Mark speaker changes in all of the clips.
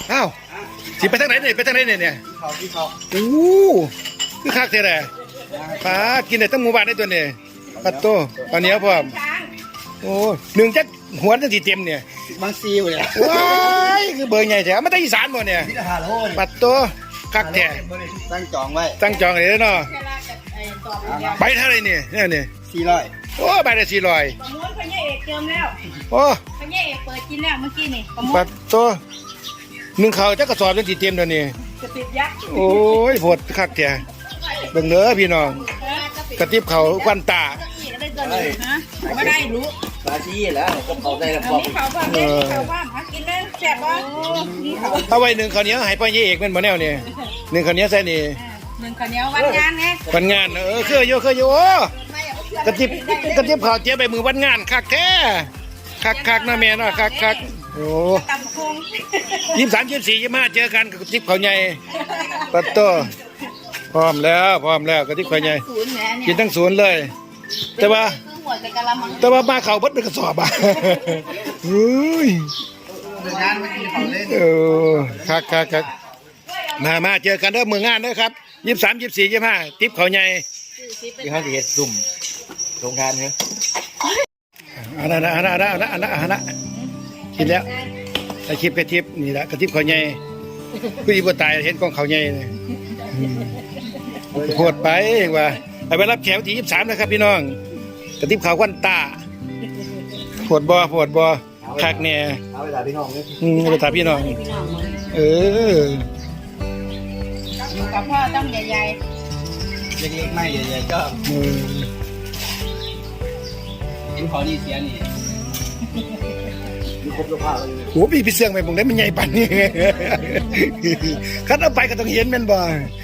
Speaker 1: อ้าวสิไปทางไหนเนี่ยไปทางไหนเนี่ย
Speaker 2: ที่เขา
Speaker 1: โอ้คือคักแท้เลยปลากินได้ทั้งหมู่บ้านได้ตัวเนี่ยปัดโตปลาเหนียวพร้อมโอ้หนึ่งจักหัวจังสิเต็มเนี่ย
Speaker 2: บางซีอยู่เลย
Speaker 1: ว้ายคือเบอร์ใหญ่แท้มาจากอีสานบ่เนี่ยปัดโตคักแท้
Speaker 2: ตั้งจองไว้
Speaker 1: ตั้งจองเลยเนาะใบเท่าไรเนี่ยเนี่ย
Speaker 2: 400
Speaker 1: โอ้ใบละ400
Speaker 3: ประมวลพญาเอกเจิมแล้ว
Speaker 1: โอ้
Speaker 3: พญาเอกเปิดกินแล้วเมื่อกี้นี่ประมว
Speaker 1: ปั
Speaker 3: ล
Speaker 1: ดโตหนึ่งเขาจักกระสอบจังสิเต็มแล้วนี่
Speaker 3: จะติดยักษ์
Speaker 1: โอ้ยโพดคักแท้เบิ่งเด้อพี่น้องกระติบเขาควันตา
Speaker 3: ไม่ได้รู้
Speaker 2: ปลาซีแล้วก็เขาได้แล้วพอ
Speaker 3: มีเขาบ้างมีเขาบ้างกินได้แซ่บบ้างมีเขา
Speaker 1: เอาไว้หนึ่งข้าวเหนียวให้พ่อเยเอกมันบ่แนวนี่หนึ่งข้าวเหนียวใส่นี่
Speaker 3: หนึ่งข้าวเหนียววันงานไง
Speaker 1: วันงานเคยอยู่โอ้กระติบข้าวเจี๊ยบไปมือวันงานคักแท้คักนะแม่เนาะคักโอ้
Speaker 3: ตำคง
Speaker 1: 23 24 25เจอกันกับกระติบข้าวใหญ่ปัดโตพร้อมแล้วกระติบข้าวใหญ่กินทั้งศูนย์เลยแต่ว่ามาเข่าบดเป็นกระสอบอ่ะเฮ้ยคักมาเจอกันเด้อมืองานเด้อครับ23 24 25ติ๊บเขาใหญ่
Speaker 2: ที่เขาเห็ดซุ่มโรงงานเนี่ย
Speaker 1: อันนั้นกินแล้วไอคลิปกระติบนี่แหละกระติบเขาใหญ่ผู้หญิงบ่ตายเห็นกองเขาใหญ่เลยโคตรไปว่าไปรับแขกวันที่23นะครับพี่น้องกระติบเขาควันตาปวดบ่คักเนี่ย
Speaker 2: เอาไปถามพี่น้องเลย
Speaker 1: ไปถามพี่น้อง
Speaker 3: อยู่กับพ่อต้องใหญ่
Speaker 2: เล็กๆไม่ใหญ่ๆก็กินขอนี่เสียนี่มีครบสภาพเลย
Speaker 1: โอ้พี่เสื่องไปผมได้มันใหญ่ปั่นนี่คัดเอาไปก็ต้องเห็นมันบ่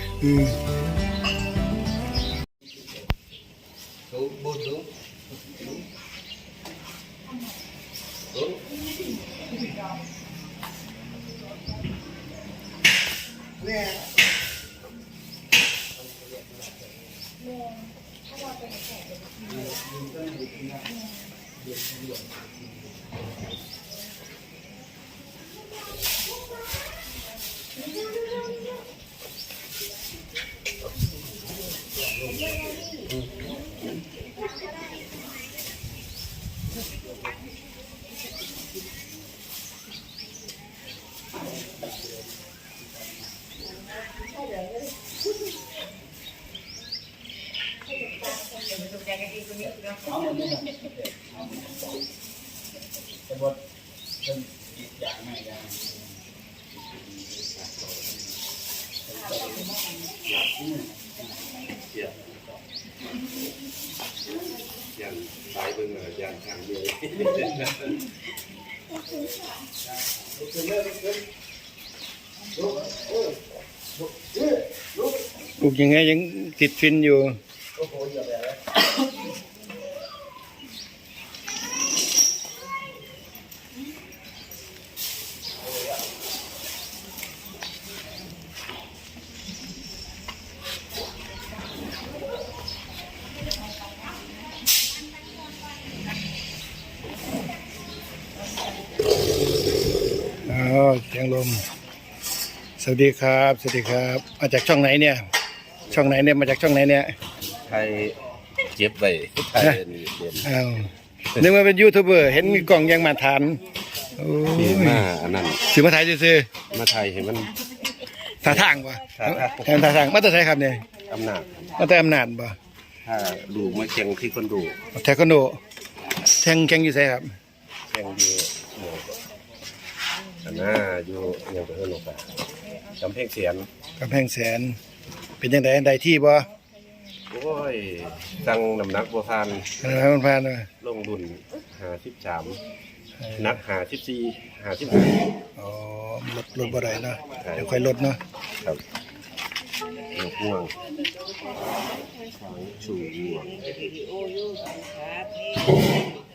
Speaker 4: ยันตายเบิ่งยันทางเดียว
Speaker 1: ปลูกยังไงยังติดฟินอยู่เสียงลมสวัสดีครับมาจากช่องไหนเนี่ยมาจากช่องไหนเนี่ย
Speaker 4: ไทยเจ็บไปไทยนี่เป็น
Speaker 1: นึกว่าเป็นยูทูบเบอร์เห็นมีกล่องยังมาทาน
Speaker 4: ดีมากอันนั้น
Speaker 1: สื่อมาถ่ายซื่อ
Speaker 4: มาไทยเห็นมัน
Speaker 1: ท่าทางวะท่าทางมาแต่ไทยครับเนี่ย
Speaker 4: อำนาจ
Speaker 1: มาแต่อำนาจบ่
Speaker 4: ถ้าดูมาแข่งที่คนดู
Speaker 1: แทควันโดแข่งอยู่ไสครับ
Speaker 4: แข่งอยู่อันน่าอยู่อย่างตัวเอิ้นออกไปกำแพงแส
Speaker 1: นเป็นยังไงได้ที่บ่
Speaker 4: โอ้ยตั้งน้ำหนักบ่ผ่าน
Speaker 1: มันผ่าน
Speaker 4: ลงดุน53นัก54 55
Speaker 1: อ๋อลดบ่ได้เนาะเดี๋ยวค่อยลดเนาะ
Speaker 4: ครับห่วงชูห่วง